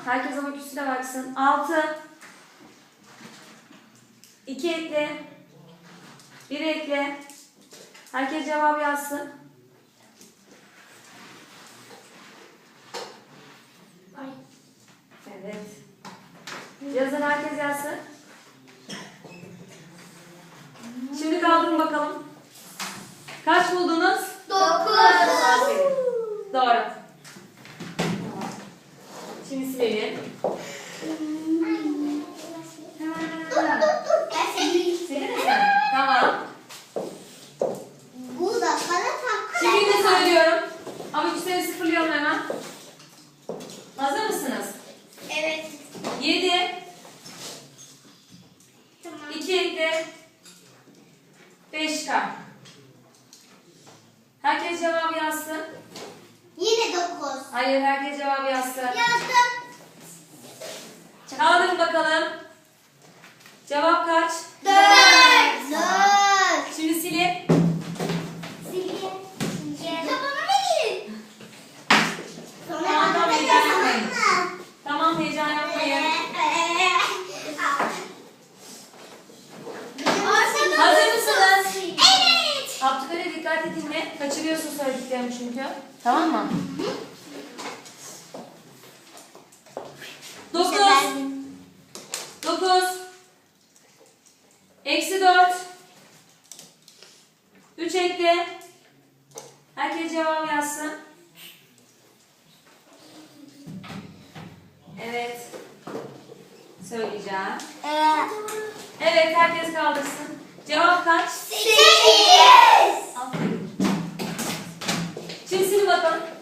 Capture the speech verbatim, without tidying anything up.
Herkes abaküsüne baksın. altı. iki ekle. bir ekle. Herkes cevap yazsın. Evet. Yazın, herkes yazsın. Şimdi kaldırın bakalım. Kaç buldunuz? dokuz. Aferin. Doğru. Şimdi silelim. Dur dur dur. Ben seni Silin mi sen? Tamam. Bu da bana tak. Şimdi yine söylüyorum. Abaküsleri sıfırlıyorum hemen. Hazır mısınız? Evet. yedi. Tamam. iki ekle. beş çıkar. Herkes cevabı yazsın. Yine dokuz. Hayır, herkes cevabı yazsın. Yazdım. Kaldırın bakalım. Cevap kaç? Dört. Dört. Şimdi silin. Silgi. Ya bana ne gelin? Sonra Tamam, tamam, bana da heyecan yazamam yapmayın. mı? Tamam, heyecan yapmayın. Hazır mısınız? Evet. Abdülkadir, dikkatli dinle. Kaçırıyorsun söylediklerimi çünkü. Tamam mı? dokuz. dokuz. Eksi dört. üç ekle. Herkes cevap yazsın. Evet. Söyleyeceğim. Evet. Evet, herkes kaldırsın. Cevap kaç? Sekiz. Aferin. Şimdi silin bakalım.